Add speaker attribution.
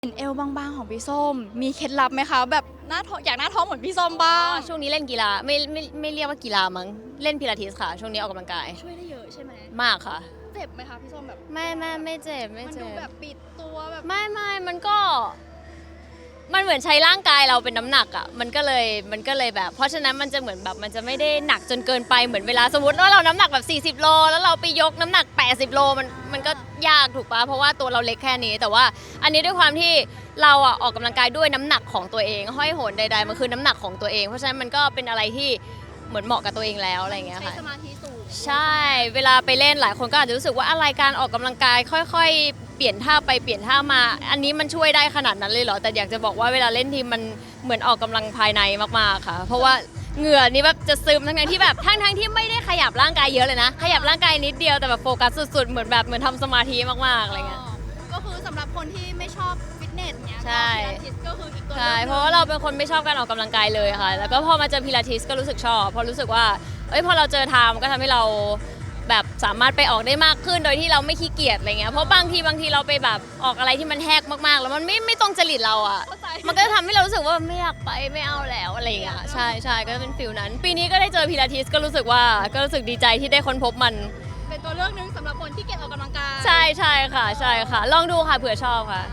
Speaker 1: เห็นเอวบางๆของพี่ส้มมีเคล็ดลับไหมคะแบบหน้าท้องอยากหน้าท้องเหมือนพี่ส้มบ้าง
Speaker 2: ช่วงนี้เล่นกีฬาไม่เรียกว่ากีฬามั้งเล่นพิลาทิสค่ะช่วงนี้ออกกำลังกาย
Speaker 1: ช่วยได้เยอะใช่ไหม
Speaker 2: มากค่ะ
Speaker 1: เจ็บไหมคะพี่ส้มแบบ
Speaker 2: ไม่เจ็บ
Speaker 1: มันดูแบบปิดตัวแบบ
Speaker 2: ไม่มันก็มันเหมือนใช้ร่างกายเราเป็นน้ำหนักอ่ะมันก็เลยแบบเพราะฉะนั้นมันจะเหมือนแบบมันจะไม่ได้หนักจนเกินไปเหมือนเวลาสมมติว่าเราน้ำหนักแบบ40 โลแล้วเราไปยกน้ำหนัก80 โลมันก็ยากถูกปะเพราะว่าตัวเราเล็กแค่นี้แต่ว่าอันนี้ด้วยความที่เราอ่ะออกกำลังกายด้วยน้ำหนักของตัวเองห้อยโหนใดๆมันคือน้ำหนักของตัวเองเพราะฉะนั้นมันก็เป็นอะไรที่เหมือนเหมาะกับตัวเองแล้วอะไรอย่างเงี้ย
Speaker 1: ใช้
Speaker 2: ค่ะ
Speaker 1: สมาธิสูง
Speaker 2: ใช่เวลาไปเล่นหลายคนก็อาจจะรู้สึกว่าอะไรการออกกำลังกายค่อยๆเปลี่ยนท่าไปเปลี่ยนท่ามาอันนี้มันช่วยได้ขนาดนั้นเลยเหรอแต่อยากจะบอกว่าเวลาเล่นทีมมันเหมือนออกกำลังภายในมากๆค่ะเพราะว่าเหงื่อนี่แบบจะซึมทั้งที่แบบทั้งที่ไม่ได้ขยับร่างกายเยอะเลยนะขยับร่างกายนิดเดียวแต่แบบโฟกัสสุดๆเหมือนทำสมาธิมากๆอะไรเงี้ย
Speaker 1: ก็คือสำหรับคนที่ไม่ชอบฟิตเนสเนี้ย
Speaker 2: ใช่
Speaker 1: พิลาทิสก็คืออีกตัว
Speaker 2: ใช่เพราะว่าเราเป็นคนไม่ชอบการออกกำลังกายเลยค่ะ แล้วก็พอมาเจอพิลาทิสก็รู้สึกชอบเพราะรู้สึกว่าพอเราเจอทามก็ทำให้เราแบบสามารถไปออกได้มากขึ้นโดยที่เราไม่ขี้เกียจอะไรเงี้ยเพราะบางทีเราไปแบบออกอะไรที่มันแหกมากๆแล้วมันไม่ตรงจริตเราอ่ะมันก็จะทำให้เรารู้สึกว่าไม่อยากไปไม่เอาแล้วอะไรเงี้ยใช่ก็จะเป็นฟิลนั้น ปีนี้ก็ได้เจอพิลาทิสก็รู้สึกดีใจที่ได้ค้นพบมัน
Speaker 1: เป็นตัวเลือกหนึงสำหรับคนที่เกียจออกกำลังกาย
Speaker 2: ใช่ค่ะลองดูค่ะเผื่อชอบค่ะ